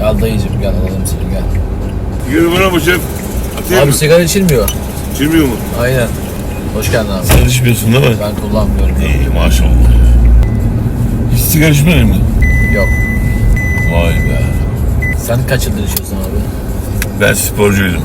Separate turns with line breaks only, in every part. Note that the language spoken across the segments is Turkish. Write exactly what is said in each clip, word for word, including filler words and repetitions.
Gel dayıcım gel alalım seni gel.
Yürü buna bu şef. Atayım
Abi
mı?
sigara içilmiyor.
İçilmiyor mu?
Aynen. Hoş geldin abi.
Sen içmiyorsun değil mi?
Ben kullanmıyorum.
İyi maşallah. Hiç sigara içmedin mi?
Yok.
Vay be.
Sen kaç yıldır içiyorsun abi?
Ben sporcuydum.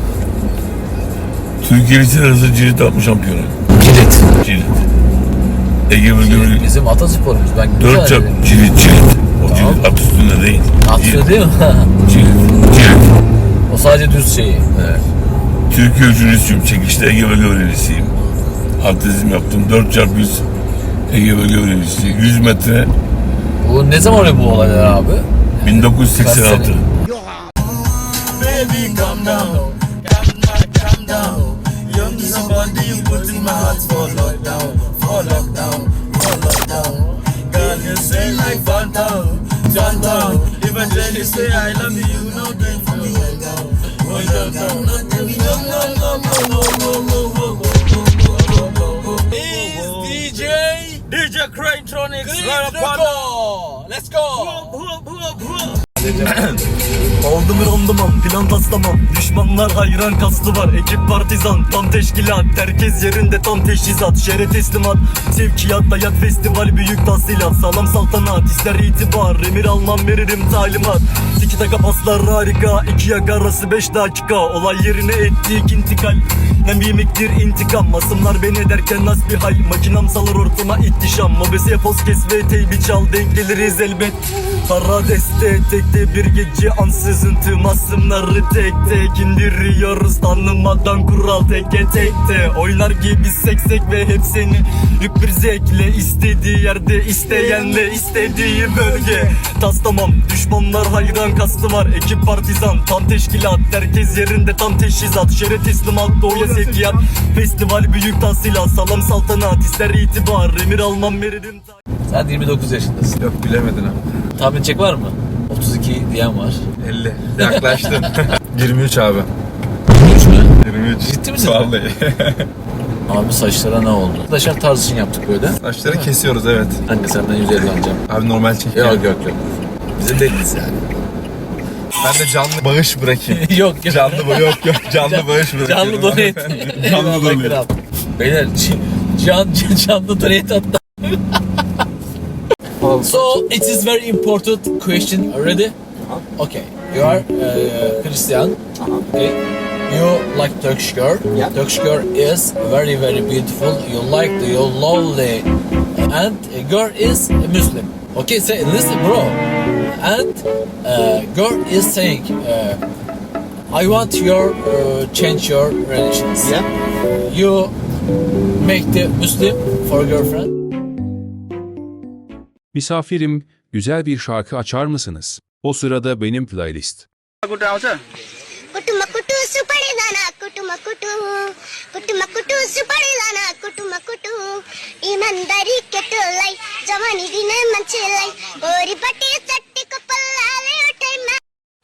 Türkiye Lisesi arası cirit atma şampiyonu.
Cirit.
Cirit. Ege bölümü
Bizim atasporumuz. Ben
dört çap cirit cirit. O
Tamam.
cirit at üstünde değil.
Atıyor değil mi?
Cirit. Cirit.
O sadece düz şeyi. Evet.
Türkiye üçüncüsüyüm. Çekişte Ege bölge öğrencisiyim. Atletizm yaptım. dört çarpı yüz Ege bölge öğrencisi. yüz metre.
Bu ne zaman oluyor bu olaylar abi?
bin dokuz yüz seksen altı.
Kaç sene?
Baby, calm down, calm down, calm down. You're me somebody you put in my heart for lockdown, for lockdown, for lockdown. Girl, you say like phantom, phantom. Eventually say I love you, no game for me down. Oh, no, no, no, no, no, no, no, no, no, no. Is D J D J Cranetronics right upon us.
Let's go.
Aldım randımam, plan taslamam. Düşmanlar hayran kaslı var. Ekip partizan, tam teşkilat. Herkes yerinde tam teşhisat. Şere teslimat, sevkiyat, hayat festival, büyük tahsilat. Sağlam saltanat, ister itibar. Emir almam veririm talimat. Tiki taka paslar harika. İki yak arası beş dakika. Olay yerine ettik intikal. Nem yemektir intikam. Masımlar beni ederken nasbihal. Makinam salır ortama ihtişam. Mobese poz kes ve teybi çal. Denk geliriz elbet. Para deste tekte bir gece ansızın tüm asımları tek tek indiriyoruz. Tanımadan kural teke tekte. Oynar gibi seksek ve hep seni yük bir zevkle. İstediği yerde isteyenle istediği bölge. Taslamam düşmanlar hayran kastı var. Ekip partizan tam teşkilat. Herkes yerinde tam teşhisat. Şere teslimat doğuya sevkiyat. Festival büyük tahsilat. Salam saltanat ister itibar. Emir almam veririm.
Sen yirmi dokuz yaşındasın.
Yok bilemedin abi.
Tahmin edecek var mı? otuz iki diyen var.
elli. Yaklaştın. yirmi üç abi.
üç mü?
yirmi üç.
Ciddi misin?
Vallahi.
Abi saçlara ne oldu? Arkadaşlar tarz için yaptık böyle.
Saçları kesiyoruz evet.
Kanka senden yüz elli alacağım.
Abi normal çek.
Yok yok yok. Bizim değiliz yani.
Ben de canlı bağış bırakayım.
yok yok.
Canlı bağış yok yok. Canlı bağış bırakayım.
Canlı donate.
Canlı
Eyvallah
donate.
kral. Beyler can, can, canlı donate attı. So it is very important question. Ready? Okay. You are uh, Christian. Okay. You like Turkish girl.
Yeah.
Turkish girl is very very beautiful. You like the you lovely, and a girl is a Muslim. Okay, say listen, bro. And uh, girl is saying, uh, I want your uh, change your religions.
Yeah.
You make the Muslim for girlfriend.
Misafirim, güzel bir şarkı açar mısınız? O sırada benim playlist.
Kutu makutu supari dana kutu makutu kutu makutu supari dana kutu makutu imandari ketulai jamani dine manchelai ori pati satti ko pallale utai ma.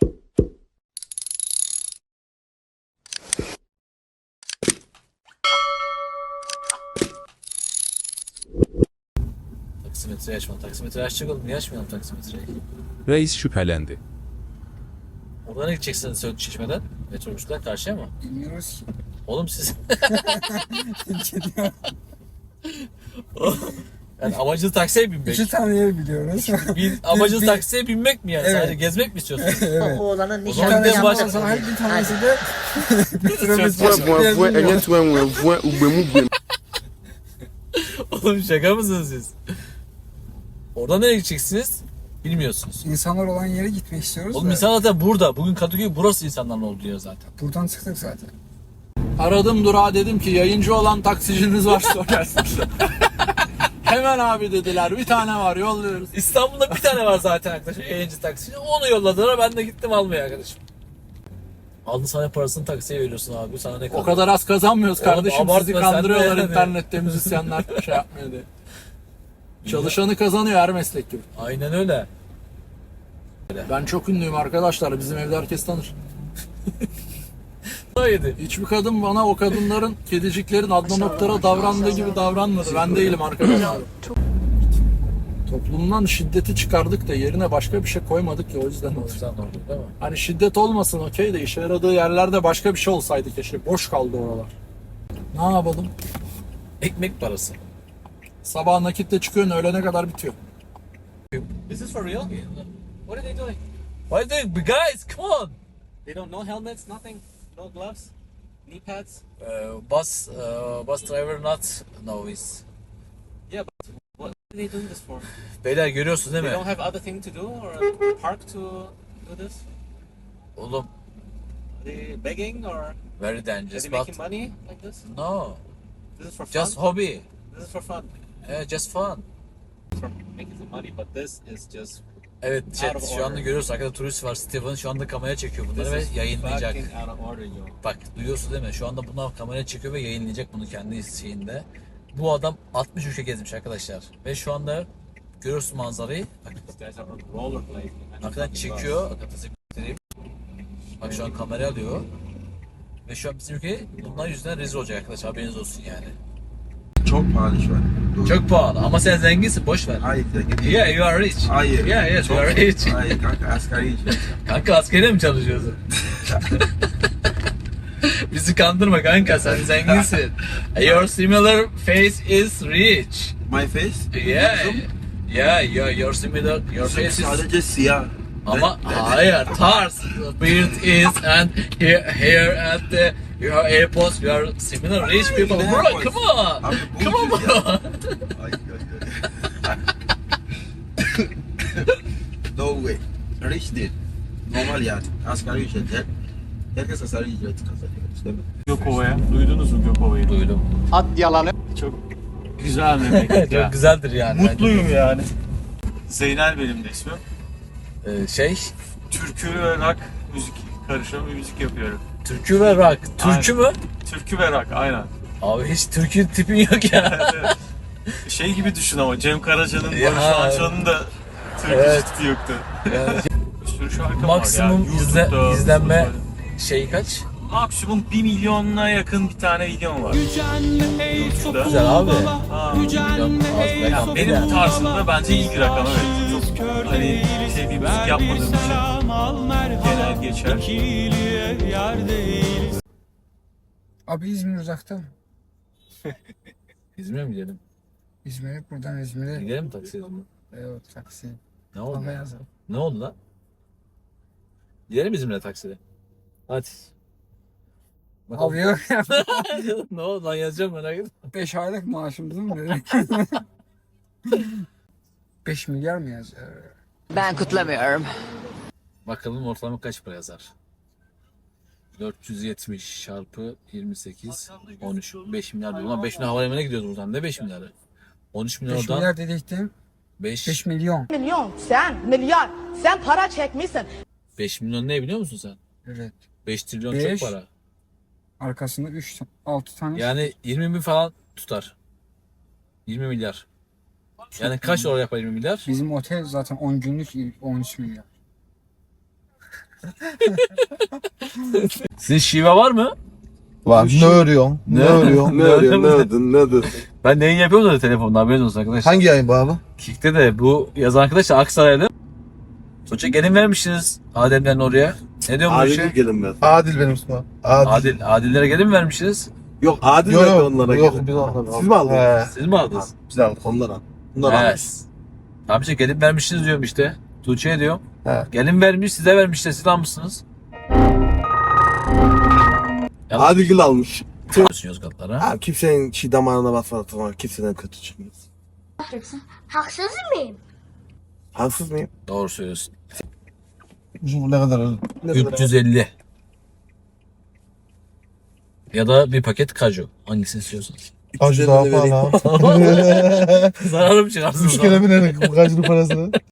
Taksimetreyi açma. Taksimetreyi açacak oğlum. Niye açmayalım taksimetreyi?
Reis şüphelendi.
Oradan ne gideceksin Söğüt Çeşme'den? Metrobüsten karşıya mı?
Bilmiyoruz ki.
Oğlum siz... yani amacınız taksiye binmek.
İki tane yer biliyoruz.
Bir, amacınız
bir-
taksiye binmek mi yani?
Evet.
Sadece gezmek mi istiyorsunuz?
Evet.
Oğlanın
O zaman
nişanını
gidelim
yapmak.
başka.
Her bir tanesi de metrobüs
Oğlum şaka mısınız siz? Oradan nereye gideceksiniz? Bilmiyorsunuz.
İnsanlar olan yere gitmek istiyoruz.
Oğlum
da
insan zaten burada. Bugün Kadıköy burası insanların olduğu yer zaten.
Buradan çıktık zaten.
Aradım durağa dedim ki yayıncı olan taksiciniz varsa o gelsin. Hemen abi dediler bir tane var yolluyoruz.
İstanbul'da bir tane var zaten arkadaşlar yayıncı taksici. Onu yolladılar ben de gittim almaya arkadaşım. Aldın sana parasını taksiye veriyorsun abi sana ne kadar?
O kadar az kazanmıyoruz
Oğlum,
kardeşim
abartma
sizi
sen
kandırıyorlar
de yani.
internette müzisyenler şey yapmıyor diye. Çalışanı kazanıyor her meslek gibi.
Aynen öyle.
Ben çok ünlüyüm arkadaşlar bizim evde herkes tanır.
Yedi.
Hiçbir kadın bana o kadınların kediciklerin Adnan Oktar'a davrandığı gibi davranmadı. Ben değilim arkadaşlar. Toplumdan şiddeti çıkardık da yerine başka bir şey koymadık ya, o yüzden
O
oldu.
yüzden oldu değil mi?
Hani şiddet olmasın okey de işe yaradığı yerlerde başka bir şey olsaydı keşke. Boş kaldı oralar. Ne yapalım?
Ekmek parası.
Sabah nakitle çıkıyorsun, öğlene kadar bitiyor.
Is this for real? What are they doing? What are they doing? Guys, come on!
They don't know helmets, nothing, no gloves, knee pads.
Uh, bus, uh, bus driver not novice.
Yeah, but what are they doing this for?
Beyler görüyorsunuz değil
They
mi?
don't have other thing to do or park to do this?
Oğlum,
Are they begging or are
very
they
dangerous, but
making money like this?
no,
This is for fun.
just hobby.
This is for fun.
Yeah, just fun.
For making some money, but this is just
Evet,
Out
chat,
of
şu anda
order.
görüyoruz arkada turist var. Steven şu anda kameraya çekiyor
this
bunları ve
is
yayınlayacak.
fucking out of order, yo.
Bak duyuyorsun değil mi? Şu anda bunlar kameraya çekiyor ve yayınlayacak bunu kendi şeyinde. Bu adam altmış ülke gezmiş arkadaşlar. Ve şu anda görüyorsun manzarayı. Bak
These guys are on rollerblades. man.
arkadan çekiyor. Hakikaten size göstereyim. Bak şu an kamera alıyor. Ve şu an bizim ülke bunlar yüzünden rezil olacak arkadaşlar. Haberiniz olsun yani.
Çok pahalı şu an.
Çok pahalı ama sen zenginsin, boş ver.
Hayır.
Yeah, you are rich.
Hayır.
Yeah, yes, you
Çok-
are rich.
Hayır kanka asgari ücret.
Kanka askere mi çalışıyorsun? Bizi kandırma kanka, sen zenginsin. Your similar face is rich.
My face?
Yeah. Yeah, your, your similar, your face is...
Sadece siyah.
Ama hayır, tarz. Beard is and here, here at the your airports, you are similar rich people.
Ne
Bro,
airports?
come on.
Abi bu
Come on
ucuz
bro.
ya. Ay, ay, ay. No way. Rich değil. Normal yani. Asgari ücret. Her- Herkes asgari ücret kazanıyor. Değil mi?
Gökova'ya. Duydunuz mu Gökova'yı?
Duydum.
Çok güzel memleket ya.
Çok güzeldir yani.
Mutluyum yani. Zeynel benim de ismim.
Ee, şey,
Türkü ve rock müzik karışımı bir müzik yapıyorum.
türkü ve rock. Türkü mü?
Türkü ve rock aynen.
Abi hiç türkü tipin yok ya.
Evet. Şey gibi düşün ama Cem Karaca'nın,
Ya.
Barış Manço'nun da türkü
Evet.
tipi yoktu.
Yani
Bir sürü şarkı
maksimum
var ya.
izle,
YouTube'da,
izlenme
Spotify'da.
şey kaç?
Maksimum bir milyona yakın bir tane videom var. YouTube'da.
Güzel abi.
Ha.
Milyon az
Ya
rakam değil
benim
yani.
tarzımda bence iyi bir rakam, evet. Çok hani şey bir müzik yapmadığım için genel geçer.
Abi İzmir uzakta mı?
İzmir'e mi gidelim?
İzmir'e buradan İzmir'e.
Gidelim mi taksiye?
Evet taksi.
Ne oldu?
Ama yazalım.
Ne oldu lan? Gidelim İzmir'e takside. Hadi.
Abi yok ya.
Ne oldu lan, yazacağım merak etme.
beş aylık maaşımızı mı dedik? beş milyar mı yazıyor?
Ben kutlamıyorum.
Bakalım ortalama kaç para yazar? dört yüz yetmiş çarpı yirmi sekiz, on üç, beş milyar diyor. Ulan beş milyar havalimanına gidiyoruz buradan. Ne beş milyarı? on üç milyar
beş
oradan.
milyar dediktim.
beş,
beş milyon.
Milyon, sen milyar, sen para çekmişsin.
beş milyon ne biliyor musun sen?
Evet.
beş trilyon
Beş.
çok para.
Arkasında üç, altı tane.
Yani yirmi bin falan tutar. yirmi milyar. Yani kaç dolar yapar yirmi milyar?
Bizim otel zaten on günlük on üç milyar.
Sizin şive var mı?
Var. Ne örüyorsun? Ne örüyorsun? Ne örüyorsun? Ne ördün? Ne ördün?
Ben neyin yapıyorum da telefonda, haberiniz olsun arkadaşlar.
Hangi yayın bu abi?
Kick'te de bu yazan arkadaş da Aksaraylı. Sonuçta gelin vermişsiniz Ademlerin oraya. Ne diyor bu işe?
gelin ben. Adil benim ismim. Adil.
Adil, Adillere gelin vermişsiniz.
Yok Adil
Yok,
verdi
yok,
onlara.
yok,
gelin.
biz onlara-
Siz mi aldınız?
Siz mi aldınız?
Biz aldık onlara. Bunlar almış.
Evet. Tamam işte gelin vermişsiniz diyorum işte. Tuğçe'ye diyorum.
He.
Gelin vermiş, size vermiş de siz almışsınız.
Adil Gül almış.
Yapıyorsun Yozgatlara.
Abi kimsenin çiğ damarına basmadı tamam. Kimseden kötü çıkmaz.
Haksız mıyım?
Haksız mıyım?
Doğru söylüyorsun.
Bu ne kadar öyle?
üç yüz elli. Ya da bir paket kaju. Hangisini istiyorsunuz?
Acı daha pahalı.
Zararım çıkarsın.
Üç kere binerek bu kaçlı parasını.